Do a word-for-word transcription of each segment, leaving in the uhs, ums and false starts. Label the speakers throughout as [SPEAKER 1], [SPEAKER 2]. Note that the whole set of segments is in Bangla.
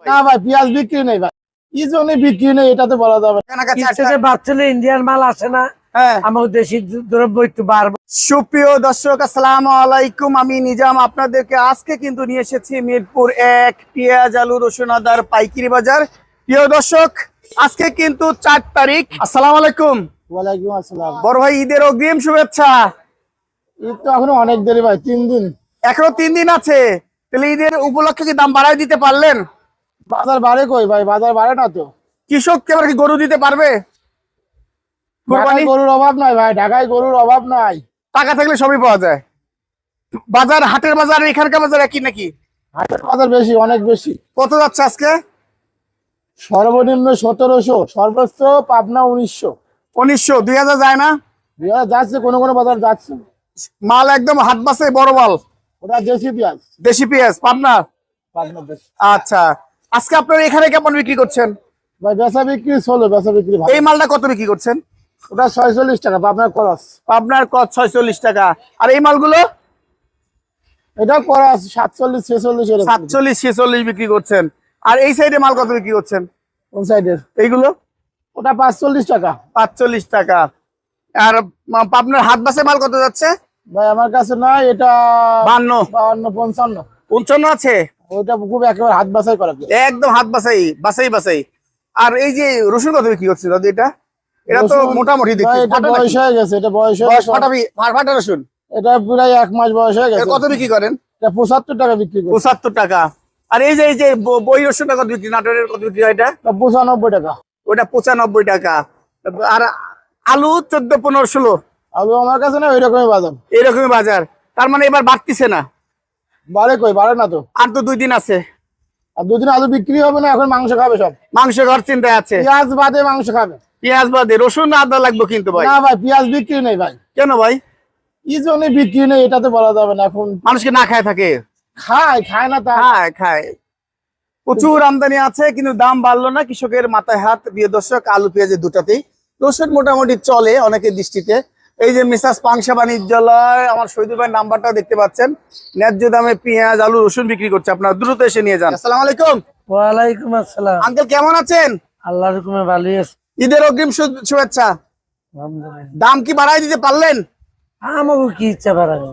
[SPEAKER 1] না ভাই পেঁয়াজ বিক্রি নেই ভাই, কি জন্য বিক্রি নেই এটা তো বলা যাবে
[SPEAKER 2] না। বাচ্চালে ইন্ডিয়ান মাল আসে না, আমাদের দেশি দ্রব্য একটু বাড়বে।
[SPEAKER 1] সুপ্রিয় দর্শক আসসালামু আলাইকুম, আমি নিজাম আপনাদেরকে আজকে কিন্তু নিয়ে এসেছি মিরপুর এক পেঁয়াজ আলু রসুন আদার পাইকারি বাজার। প্রিয় দর্শক আজকে কিন্তু চার তারিখ। আসসালামু আলাইকুম।
[SPEAKER 3] ওয়ালাইকুম আসসালাম।
[SPEAKER 1] বড় ভাই ঈদের অগ্রিম শুভেচ্ছা।
[SPEAKER 3] ঈদ তো এখনো অনেক দেরি ভাই, তিন দিন
[SPEAKER 1] এখনো তিন দিন আছে, তাহলে ঈদের উপলক্ষে কি দাম বাড়ায় দিতে পারলেন?
[SPEAKER 3] বাজার বাড়ে কই ভাই, বাজার বাড়ে না তো।
[SPEAKER 1] কৃষক এবার কি গরু দিতে পারবে?
[SPEAKER 3] ঢাকায় গরুর অভাব নাই ভাই, ঢাকায় গরুর অভাব নাই,
[SPEAKER 1] টাকা থাকলে সবই পাওয়া যায়। বাজার হাটের বাজার এখানকার বাজার একই নাকি?
[SPEAKER 3] হাটের বাজার বেশি, অনেক বেশি।
[SPEAKER 1] কত যাচ্ছে আজকে?
[SPEAKER 3] সর্বনিম্ন সতেরোশো, সর্বোচ্চ পাবনা উনিশশো।
[SPEAKER 1] উনিশশো দুই হাজার যায় না?
[SPEAKER 3] দুই হাজার যাচ্ছে, কোনো কোনো বাজার যাচ্ছে।
[SPEAKER 1] মাল একদম হাত বাসে বড় মাল,
[SPEAKER 3] ওটা দেশি পেঁয়াজ।
[SPEAKER 1] দেশি পেঁয়াজ পাবনা।
[SPEAKER 3] পাবনা দেশি।
[SPEAKER 1] আচ্ছা, আজকে আপনার এখানে কেমন বিক্রি করছেন?
[SPEAKER 3] ভাই বেচা বিক্রি চলো, বেচা বিক্রি ভালো।
[SPEAKER 1] এই মালটা কত বিক্রি করছেন?
[SPEAKER 3] ওটা ছয়চল্লিশ টাকা পাবনার খরচ।
[SPEAKER 1] পাবনার কত ছয়চল্লিশ টাকা। আর এই মালগুলো
[SPEAKER 3] এটা খরচ সাতচল্লিশ ছেচল্লিশ,
[SPEAKER 1] সাতচল্লিশ ছেচল্লিশ বিক্রি করছেন। আর এই সাইডে মাল কত বিক্রি করছেন?
[SPEAKER 3] কোন সাইডের?
[SPEAKER 1] এইগুলো
[SPEAKER 3] ওটা পাঁচচল্লিশ টাকা।
[SPEAKER 1] পাঁচচল্লিশ টাকা। আর পাবনার হাত বাসে মাল কত যাচ্ছে?
[SPEAKER 3] ভাই আমার কাছে না, এটা
[SPEAKER 1] বান্ন
[SPEAKER 3] বান্ন পঞ্চান্ন
[SPEAKER 1] পঞ্চান্ন আছে।
[SPEAKER 3] ওইটা খুব একেবারে হাত বাছাই করা,
[SPEAKER 1] একদম হাত বাছাই বাছাই বাছাই। আর এই যে রসুন কত বিক্রি করছে দাদু? এটা এটা তো মোটামুটি দেখছি
[SPEAKER 3] বয়স হয়ে গেছে, এটা বয়স হয়ে গেছে।
[SPEAKER 1] ফাটাবি ফাটা রসুন
[SPEAKER 3] এটা প্রায় এক মাস বয়স হয়ে গেছে।
[SPEAKER 1] কত বিক্রি করেন?
[SPEAKER 3] এটা পঁচাত্তর টাকা বিক্রি করি।
[SPEAKER 1] পঁচাত্তর টাকা। আর এই যে এই যে বই রসুনটা কত বিক্রি? নাটোরের কত বিক্রি হয়? এটা
[SPEAKER 3] পঁচানব্বই টাকা।
[SPEAKER 1] ওটা পঁচানব্বই টাকা। আর আলু চোদ্দ পনেরো ষোলো।
[SPEAKER 3] আলু আমার কাছে না ওই রকমই বাজার,
[SPEAKER 1] এইরকমই বাজার। তার মানে এবার বাড়তিছে না?
[SPEAKER 3] বাড়ে কই, বাড়ে না তো।
[SPEAKER 1] আর তো দুই দিন আছে।
[SPEAKER 3] আর দুদিন আলু বিক্রি হবে না, এখন মাংস খাবে সব।
[SPEAKER 1] মাংস ঘর চিন্তায় আছে।
[SPEAKER 3] পেঁয়াজ বাদে মাংস খাবে।
[SPEAKER 1] পেঁয়াজ বাদে রসুন আদা লাগবে কিন্তু ভাই।
[SPEAKER 3] না ভাই পেঁয়াজ বিক্রি নেই ভাই।
[SPEAKER 1] কেন ভাই?
[SPEAKER 3] কি জন্য বিক্রি নেই এটা তো বলা যাবে না। এখন
[SPEAKER 1] মানুষকে না খায় থাকে?
[SPEAKER 3] খায় খায় না তা
[SPEAKER 1] খায় খায় প্রচুর আমদানি আছে, কিন্তু দাম বাড়লো না। কৃষকের মাথায় হাত। প্রিয় দর্শক আলু পেঁয়াজের দুটাতেই রসুন মোটামুটি চলে অনেকের দৃষ্টিতে। এই যে মিসাস পাংশা বাণিজ্যালয়, আমার শহীদুল ভাই নাম্বারটা দেখতে পাচ্ছেন। ন্যায্য দামে পেঁয়াজ আলু রসুন বিক্রি করছে, আপনারা দ্রুত এসে নিয়ে যান। আসসালামু আলাইকুম।
[SPEAKER 2] ওয়ালাইকুম আসসালাম।
[SPEAKER 1] আঙ্কেল কেমন আছেন?
[SPEAKER 2] আল্লাহর হুকুমে ভালোই আছে।
[SPEAKER 1] ঈদের অগ্রিম শু- শুভেচ্ছা।
[SPEAKER 2] আলহামদুলিল্লাহ।
[SPEAKER 1] দাম কি বাড়াই দিতে পারলেন?
[SPEAKER 2] আমাকে কি ইচ্ছা বাড়ানো,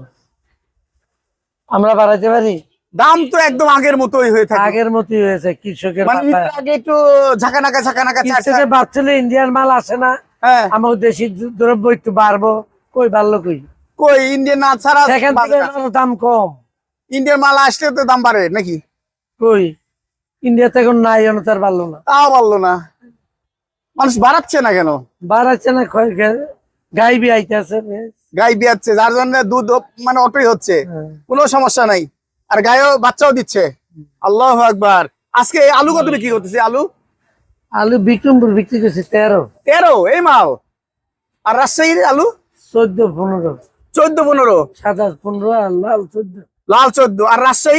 [SPEAKER 2] আমরা বাড়াইতে পারি?
[SPEAKER 1] দাম তো একদম আগের মতোই হয়ে থাকে।
[SPEAKER 2] আগের মতই হয়েছে। কৃষকের
[SPEAKER 1] মানে ঈদের আগে একটু ঝাঁকানাকা ঝাঁকানাকা
[SPEAKER 2] বাচ্চালে ইন্ডিয়ান মাল আসে না,
[SPEAKER 1] হ্যাঁ
[SPEAKER 2] আমাদের দেশি দ্রব্য একটু বাড়বো। কই বাড়লো কই?
[SPEAKER 1] কই ইন্ডিয়ান না ছাড়া
[SPEAKER 2] সেখান থেকে আরো দাম কম।
[SPEAKER 1] ইন্ডিয়ান মাল আসলে তো দাম বাড়ে নাকি?
[SPEAKER 2] কই ইন্ডিয়াতে এখন নাই, তার বাড়লো না।
[SPEAKER 1] তাও বললো না, মানুষ বাড়াচ্ছে না কেন?
[SPEAKER 2] বাড়াচ্ছে না, গাই বি আইতেছে,
[SPEAKER 1] গাই বিয়াচ্ছে, যার জন্য দুধ মানে অটোই হচ্ছে, কোনো সমস্যা নাই। আর গায়েও বাচ্চাও দিচ্ছে। আল্লাহু আকবার। আজকে আলু কত বিক্রি করতেছে? আলু
[SPEAKER 2] আলু বিক্রমপুর বিক্রি করছে তেরো
[SPEAKER 1] তেরো এই মাল। আর রাজশাহীর আলু
[SPEAKER 2] চোদ্দ পনেরো।
[SPEAKER 1] চোদ্দ পনেরো।
[SPEAKER 2] সাদা পনেরো আর লাল চোদ্দ।
[SPEAKER 1] লাল চোদ্দ। আর রাজশাহী?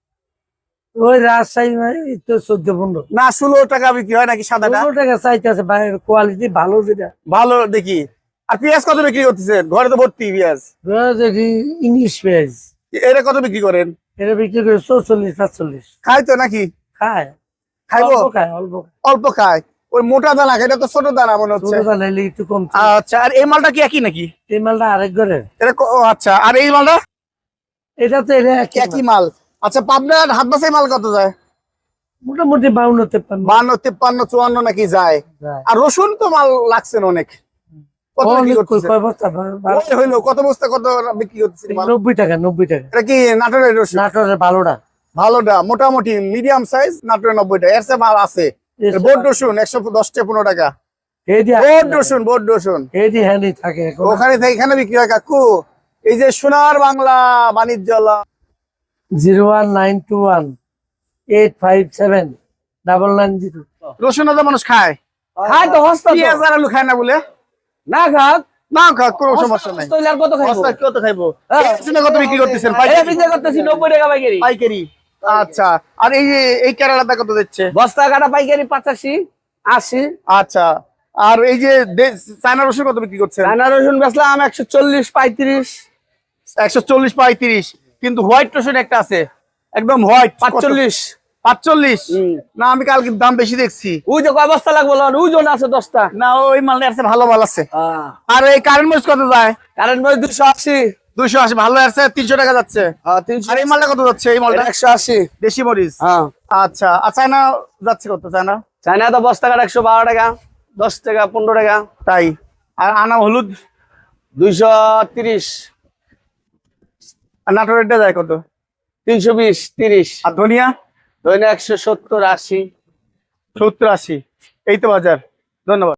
[SPEAKER 2] ওই রাজশাহী তো চোদ্দ পনেরো
[SPEAKER 1] না ষোলো টাকা বিক্রি হয় নাকি সাদাটা?
[SPEAKER 2] পনেরো টাকা চাইতেছে, বাইরের কোয়ালিটি ভালো যেটা।
[SPEAKER 1] ভালো দেখি। আর পেঁয়াজ কত বিক্রি করতেছে? ঘরে তো ভর্তি পেঁয়াজ।
[SPEAKER 2] ইংলিশ পেঁয়াজ
[SPEAKER 1] এটা কত বিক্রি করেন?
[SPEAKER 2] এটা বিক্রি করে চৌচল্লিশ পাঁচচল্লিশ।
[SPEAKER 1] খায় তো নাকি?
[SPEAKER 2] খায়,
[SPEAKER 1] খাইবো?
[SPEAKER 2] অল্প খায়, অল্প
[SPEAKER 1] অল্প খায়। ওই মোটা দানা খায়, এটা তো ছোট দানা মনে হচ্ছে।
[SPEAKER 2] ছোট দানা হলে একটু কম।
[SPEAKER 1] আচ্ছা, আর এই মালটা কি একই নাকি?
[SPEAKER 2] এই মালটা আরেক ঘরে।
[SPEAKER 1] এটা ক- ও আচ্ছা, আর এই মালটা
[SPEAKER 2] এটা তো এটা একই
[SPEAKER 1] একই
[SPEAKER 2] মাল।
[SPEAKER 1] মাল। আচ্ছা, পাবনার হাত বাসাই মাল কত যায়?
[SPEAKER 2] মোটামুটি বাউন্ন তেপ্পান্ন
[SPEAKER 1] বান্ন তিপ্পান্ন চুয়ান্ন নাকি যায়।
[SPEAKER 2] যায়।
[SPEAKER 1] আর রসুন তো মাল লাগছেন অনেক। কত বিক্রি
[SPEAKER 2] অনেক
[SPEAKER 1] করতেছে?
[SPEAKER 2] কয় বস্তা?
[SPEAKER 1] ওই হইলো কত বস্তা কত বিক্রি করতেছে মাল?
[SPEAKER 2] নব্বই টাকা নব্বই টাকা।
[SPEAKER 1] এটা কি নাটোরের রসুন?
[SPEAKER 2] নাটোরের ভালোটা
[SPEAKER 1] ভালোটা মোটামুটি মিডিয়াম সাইজ নাটোরের নব্বইটা। এর চেয়ে মাল আছে। বোর্ড রসুন একশো দশ টাকা পনেরো টাকা। বোর্ড রসুন বোর্ড রসুন
[SPEAKER 2] এদি হ্যান্ডি থাকে এখন।
[SPEAKER 1] ওখানে থেকে এখানে বিক্রি হয় কাকু। এই যে Sonar Bangla Banijyalaya.
[SPEAKER 2] Zero one nine two one eight five seven double nine zero.
[SPEAKER 1] রসুন আদা মানুষ খায়?
[SPEAKER 2] খায় তো হস্তা তো।
[SPEAKER 1] পেঁয়াজ আর আলু খায় না বলে?
[SPEAKER 2] না খাক
[SPEAKER 1] না খাক, কোনো সমস্যা নাই।
[SPEAKER 2] হস্তা হইলে আর কত খাইবো?
[SPEAKER 1] বস্তা কত খাইবো?
[SPEAKER 2] হ্যাঁ।
[SPEAKER 1] এই রসুনে কত বিক্রি করতেছেন?
[SPEAKER 2] এটা
[SPEAKER 1] পাইকারি?
[SPEAKER 2] বিক্রি করতেছি নব্বই টাকা পাইকারি।
[SPEAKER 1] পাইকারি। আচ্ছা, আর এই যে এই কেরালাটা কত দিচ্ছে?
[SPEAKER 2] বস্তা কাটা পাইকারি পঁচাশি আশি।
[SPEAKER 1] আচ্ছা, আর এই যে দে- চায়না রসুন কত বিক্রি করছেন?
[SPEAKER 2] রান্না রসুন বেচলাম একশো চল্লিশ পঁয়ত্রিশ।
[SPEAKER 1] একশো চল্লিশ পঁয়ত্রিশ। কিন্তু হোয়াইট রসুন একটা আছে একদম হোয়াইট,
[SPEAKER 2] পাঁচচল্লিশ
[SPEAKER 1] পাঁচচল্লিশ
[SPEAKER 4] হুম।
[SPEAKER 1] না আমি কালকে দাম বেশি দেখছি।
[SPEAKER 4] ওই যে কয় বস্তা লাগবো লন, ওই জন আছে দশটা।
[SPEAKER 1] না ওই মালটা আছে ভালো মাল আছে।
[SPEAKER 4] হ্যাঁ
[SPEAKER 1] আর এই কারেন্ট মরিচ কত যায়?
[SPEAKER 4] কারেন্ট মই দুশো আশি।
[SPEAKER 1] দুইশো আশি ভালো আছে, তিনশো টাকা যাচ্ছে।
[SPEAKER 4] হ্যাঁ তিনশো।
[SPEAKER 1] আর এই মালটা কত যাচ্ছে? এই মালটা
[SPEAKER 4] একশো আশি।
[SPEAKER 1] দেশি মরিচ।
[SPEAKER 4] হ্যাঁ
[SPEAKER 1] আচ্ছা আর চায়না যাচ্ছে কত? চায়না
[SPEAKER 4] চায়না তো বস্তা কাঠ একশো বারো টাকা, দশ টাকা, পনেরো টাকা।
[SPEAKER 1] তাই। আর আনা হলুদ
[SPEAKER 4] দুইশো তিরিশ।
[SPEAKER 1] আর নাটোরেরটা যায় কত?
[SPEAKER 4] তিনশো বিশ, তিরিশ।
[SPEAKER 1] আর ধনিয়া
[SPEAKER 4] ধরেন একশো সত্তর, আশি।
[SPEAKER 1] সত্তর আশি। এই তো বাজার। ধন্যবাদ।